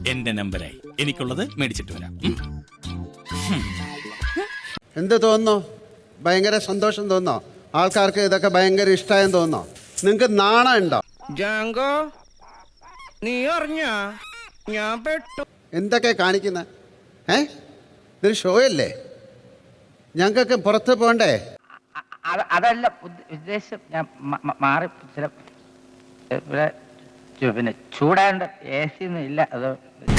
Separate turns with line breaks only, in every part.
എന്റെ നമ്പരായി. എനിക്കുള്ളത് മേടിച്ചിട്ട് വരാം.
എന്ത് തോന്നുന്നു? ഭയങ്കര സന്തോഷം തോന്നോ? ആൾക്കാർക്ക് ഇതൊക്കെ ഭയങ്കര ഇഷ്ടമായെന്ന് തോന്നോ? നിങ്ങൾക്ക് നാണം ഉണ്ടോ?
ജാങ്കോ, നീ അറിഞ്ഞ ഞാൻ പെട്ടു.
എന്തൊക്കെ കാണിക്കുന്ന? ഇതൊരു ഷോ അല്ലേ? ഞങ്ങൾക്കൊക്കെ പുറത്ത് പോകണ്ടേ?
അതല്ല ഉദ്ദേശം. ഞാൻ മാറി ചില ഇവിടെ പിന്നെ ചൂടാണ്ട് എ സി ഒന്നും ഇല്ല. അത്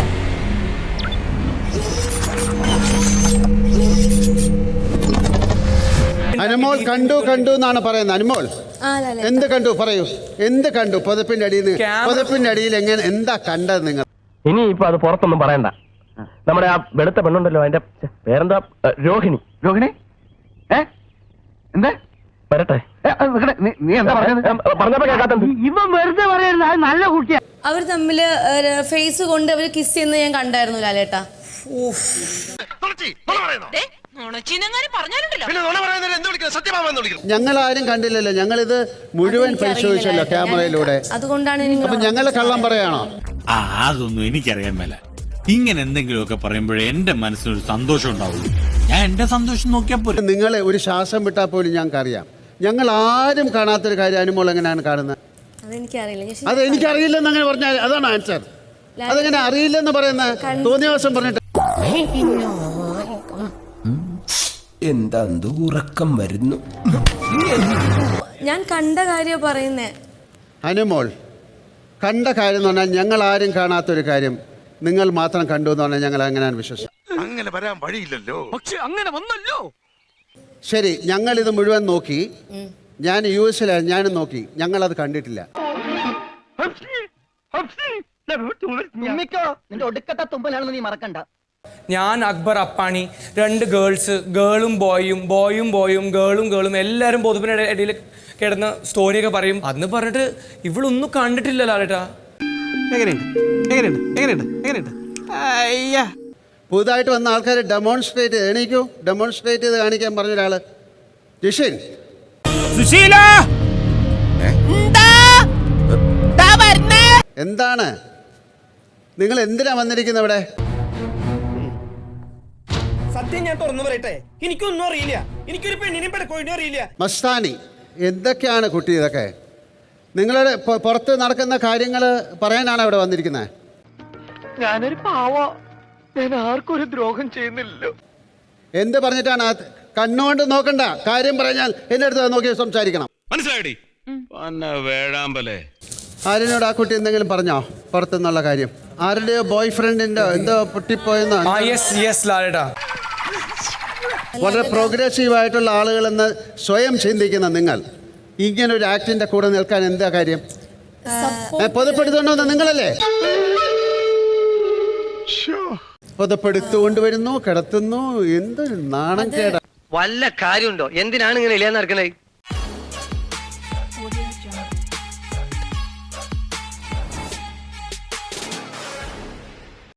അനുമോൾ കണ്ടു എന്നാണ് പറയുന്നത്. അനുമോൾ എന്ത് കണ്ടു? പറയൂ, എന്ത് കണ്ടു? പുതപ്പിന്റെ അടിയിൽ എങ്ങനെ എന്താ കണ്ടത് നിങ്ങൾ?
ഇനി ഇപ്പൊ അത് പുറത്തൊന്നും പറയണ്ട. നമ്മുടെ ആ വെളുത്ത പെണ്ണുണ്ടല്ലോ, അതിന്റെ പേരെന്താ? രോഹിണി.
എന്താ
വരട്ടെ.
നീ എന്താ
പറഞ്ഞപ്പോ കേൾക്കാത്ത
ഇവൻ വെറുതെ പറയരുത്. അത് നല്ല കുട്ടിയാ.
അവർ തമ്മില് ഫേസ് കൊണ്ട് അവർ കിസ് ചെയ്യുന്നത് ഞാൻ കണ്ടായിരുന്നു ലാലേട്ടാ.
ഞങ്ങൾ ആരും കണ്ടില്ലല്ലോ. ഞങ്ങളിത് മുഴുവൻ പരിശോധിച്ചല്ലോ ക്യാമറയിലൂടെ.
അതുകൊണ്ടാണ്
അപ്പൊ ഞങ്ങള് കള്ളം പറയാണോ?
അതൊന്നും എനിക്കറിയാൻ മേല. ഇങ്ങനെ എന്തെങ്കിലുമൊക്കെ പറയുമ്പോഴേ എന്റെ മനസ്സിനൊരു സന്തോഷം ഉണ്ടാവുള്ളൂ. ഞാൻ എന്റെ സന്തോഷം നോക്കിയാൽ പോലും.
നിങ്ങളെ ഒരു ശ്വാസം വിട്ടാൽ പോലും ഞങ്ങൾക്ക് അറിയാം. ഞങ്ങൾ ആരും കാണാത്തൊരു കാര്യം അനുമോൾ എങ്ങനെയാണ് കാണുന്നത്? അത് എനിക്കറിയില്ലെന്ന് അങ്ങനെ പറഞ്ഞാൽ അതാണ് ആൻസർ. അതെങ്ങനെ അറിയില്ലെന്ന് പറയുന്നത്? തോന്നിയ ദിവസം പറഞ്ഞിട്ട്
എന്താ ഉറക്കം വരുന്നു.
ഞാൻ കണ്ട കാര്യം പറയുന്നേ.
അനുമോൾ കണ്ട കാര്യം എന്ന് പറഞ്ഞാൽ ഞങ്ങൾ ആരും കാണാത്തൊരു കാര്യം നിങ്ങൾ മാത്രം കണ്ടു എന്ന് പറഞ്ഞാൽ ഞങ്ങൾ അങ്ങനെയാണ് വിശ്വസിച്ചത്.
അങ്ങനെ വരാൻ വഴിയില്ലല്ലോ. പക്ഷെ അങ്ങനെ വന്നല്ലോ.
ശരി, ഞങ്ങൾ ഇത് മുഴുവൻ നോക്കി. ഞാൻ US ഞാനും നോക്കി. ഞങ്ങൾ അത് കണ്ടിട്ടില്ല.
നിന്റെ ഒടുക്കത്തെ തുമ്പലാണെന്ന് നീ മറക്കണ്ട.
ഞാൻ, അക്ബർ, അപ്പാണി, 2 ഗേൾസ്, ഗേളും ബോയും, ബോയും ബോയും, ഗേളും ഗേളും എല്ലാവരും പൊതുപ്പിന്റെ ഇടയിൽ കിടന്ന് സ്റ്റോറിയൊക്കെ പറയും. അന്ന് പറഞ്ഞിട്ട് ഇവളൊന്നും കണ്ടിട്ടില്ല ലാലേട്ടാ.
പുതുതായിട്ട് വന്ന ആൾക്കാർ ഡെമോൺസ്ട്രേറ്റ് ചെയ്ത് കാണിക്കാൻ പറഞ്ഞ ഒരാള് ജിഷിൻ. എന്താണ് നിങ്ങൾ എന്തിനാ വന്നിരിക്കുന്നത് ഇവിടെ?
സത്യം ഞാൻ തുറന്നു പറയട്ടെ, എനിക്കൊന്നും അറിയില്ല. എനിക്കൊരു പെണ്ണിനെ പെടക്കോഴിനെ അറിയില്ല.
മസ്താനി, എന്തൊക്കെയാണ് കുട്ടി ഇതൊക്കെ? നിങ്ങളുടെ പുറത്ത് നടക്കുന്ന കാര്യങ്ങൾ പറയാനാണ് ഇവിടെ വന്നിരിക്കുന്നത്.
ഞാനൊരു പാവ, ഞാൻ ആർക്കും ഒരു ദ്രോഹം ചെയ്യുന്നില്ലല്ലോ.
എന്ത് പറഞ്ഞിട്ടാണ്? കണ്ണുകൊണ്ട് നോക്കണ്ട, കാര്യം പറഞ്ഞാൽ എന്റെ അടുത്ത് നോക്കി സംസാരിക്കണം.
മനസ്സിലായി വേഴാമ്പലേ.
ആരിനോട് ആ കുട്ടി എന്തെങ്കിലും പറഞ്ഞോ പുറത്തുനിന്നുള്ള കാര്യം? ആരുടെയോ ബോയ് ഫ്രണ്ടിന്റെ എന്തോ പൊട്ടിപ്പോയെന്നോ? വളരെ പ്രോഗ്രസീവ് ആയിട്ടുള്ള ആളുകളെന്ന് സ്വയം ചിന്തിക്കുന്ന നിങ്ങൾ ഇങ്ങനൊരു ആക്ടിന്റെ കൂടെ നിൽക്കാൻ എന്താ കാര്യം? പൊതുപ്പെടുത്തുകൊണ്ടുവന്ന നിങ്ങളല്ലേ? പൊതുപ്പെടുത്തുകൊണ്ടുവരുന്നു, കിടത്തുന്നു. എന്തൊരു നാണം കേടാ.
വല്ല കാര്യമുണ്ടോ? എന്തിനാണ് ഇങ്ങനെ ഇല്ലാന്ന് നടക്കണേ?